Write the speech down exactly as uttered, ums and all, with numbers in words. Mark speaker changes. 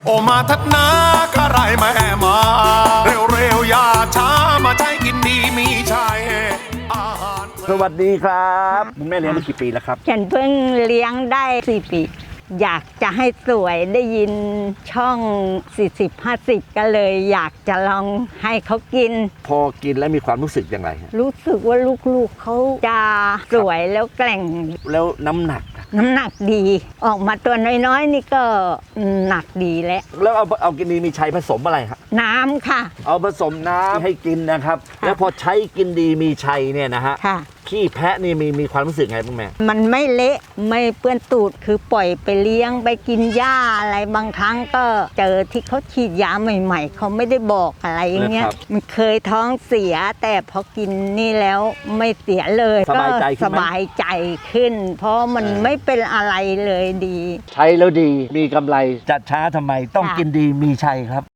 Speaker 1: โอมาทัดนาข้าไรแม่มาเร็วเร็วอย่าช้ามาใช้กินดีมีชัยอาหาร
Speaker 2: สวัสดีครับคุณแม่เลี้ยงมากี่ปีแล้วครับ
Speaker 3: ฉันเพิ่งเลี้ยงได้สี่ปีอยากจะให้สวยได้ยินช่อง สี่สิบ ห้าสิบ ก็เลยอยากจะลองให้เขากิน
Speaker 2: พอกินแล้วมีความรู้สึกอย่างไรฮะ
Speaker 3: รู้สึกว่าลูกๆเขาจะสวยแล้วแกร่ง
Speaker 2: แล้วน้ำหนัก
Speaker 3: น้ำหนักดีออกมาตัวน้อยๆนี่ก็หนักดีแล้ว
Speaker 2: แล้วเอาเอากินดีมีชัยผสมอะไรครับ
Speaker 3: น้ำค่ะ
Speaker 2: เอาผสมน้ำให้กินนะครับแล้วพอใช้กินดีมีชัยเนี่ยนะฮะ
Speaker 3: ค่ะ
Speaker 2: ขี้แพะนี่มีมีความรู้สึกไงบ้างแม่
Speaker 3: มันไม่เละไม่เปื้อนตูดคือปล่อยไปเลี้ยงไปกินหญ้าอะไรบางครั้งก็เจอที่เขาฉีดยาใหม่ๆเขาไม่ได้บอกอะไรอย่างเงี้ยมันเคยท้องเสียแต่พอกินนี่แล้วไม่เสียเลย
Speaker 2: สบายใจขึ้น
Speaker 3: สบายใจขึ้นเพราะมันไม่เป็นอะไรเลยดี
Speaker 2: ใช้แล้วดีมีกำไรจัดช้าทำไมต้องกินดีมีชัยครับ